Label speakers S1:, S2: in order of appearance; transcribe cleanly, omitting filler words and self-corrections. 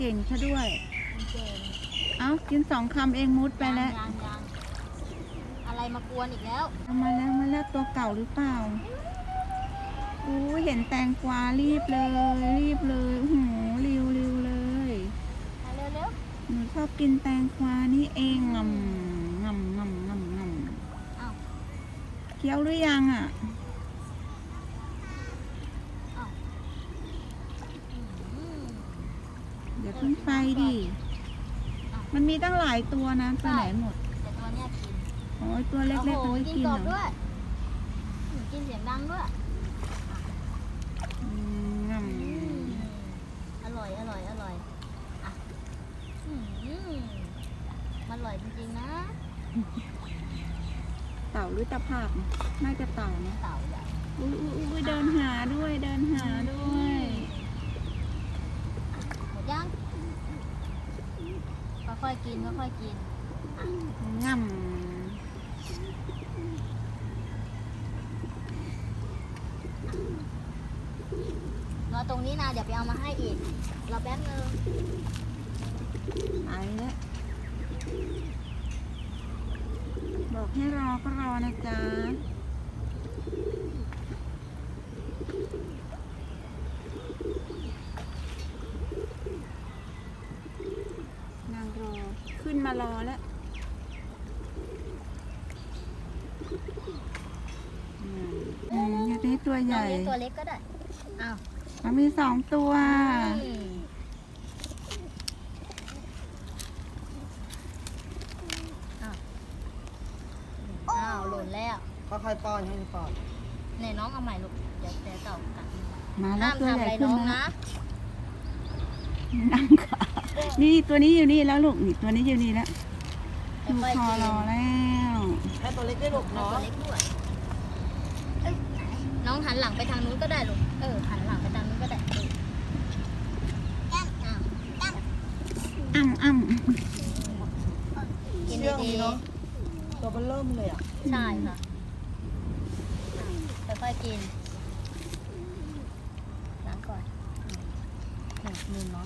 S1: เก่งซะด้วย
S2: เก่ง
S1: เอ้ากิน2 คำเองมุดไปแล้ว
S2: ยังอะไรมากวนอีกแล้ว
S1: มาแล้วตัวเก่าหรือเปล่าอู้เห็นแตงกวารีบเลยโอ้โหริวเลย
S2: มาเร็ว
S1: หนูชอบกินแตงกวานี่เองงำ
S2: ๆอ้าว
S1: เคี้ยวหรือยังอ่ะ
S2: อ้าวอืม
S1: อย่าเพิ่งไปดิมันมีตั้งหลายตัวนะไปไหนหมด
S2: แต่ตัวเนี้ยกิน
S1: โอ้ยตัวเล็ก
S2: โอ้
S1: ๆ
S2: โห
S1: มันไม่
S2: กิน
S1: กิน
S2: ก
S1: เห
S2: ร
S1: ร
S2: อบด้
S1: อ
S2: วยกินเสียงดังด้วย
S1: อืมง
S2: อร่อยอ่ะอืมมันอร่อยจริงๆนะ
S1: ำเต่าหรือตะภาพน่าจะเต่านะ
S2: เต่าใหญ่
S1: อุ้ยเดินหาด้วย
S2: หมดยังค่อยๆกิน
S1: งำ
S2: รอตรงนี้นะเดี๋ยวไปเอามาให้อีกรอแป๊บนึง
S1: ไปแล้วบอกให้รอก็รอนะจ๊ะนางรอขึ้นมารอแล้วอยากได้ตัวใหญ่
S2: เลี้ยงตัวเล็กก็ได้อ้าว
S1: มันมี2 ตัว
S2: อ้าวหล่นแล้ว
S3: ค่อยๆป้อนให้ป้อน
S2: ไหนน้องเอาใหม่ลูกเดี๋ยวเต่ากัดมือ
S1: มาแล้
S2: ห้าว ม
S1: ตัว
S2: ทำ
S1: ให
S2: อะ
S1: ญ่
S2: ไร
S1: ขึ้
S2: น้
S1: น
S2: อง
S1: แล้ว
S2: นะ
S1: นั่งขานี่ตัวนี้อยู่นี่แล้วลูกนี่ตัวนี้อยู่นี่แล้วดู
S2: ค่อย
S1: ค
S2: ๆ
S1: อ
S2: กิน
S1: รอแล้ว
S3: ให้ตัวเล็กได้ลูก
S2: เอา
S3: เนาะ
S2: ตัวเล็กด้วยเอ้ยน้องหันหลังไปทางนู้นก็ได้ลูกหันหลังไปทางนู้นก็ได้อ้าว
S1: อ้ำ
S2: กิน
S3: เชื่อง
S2: ดี
S3: ดีเนาะตัวมันเริ่มเลยอ่ะ
S2: ๆใช่ค่ะค่อยๆกินล้างก่อนหนึ่งเนาะ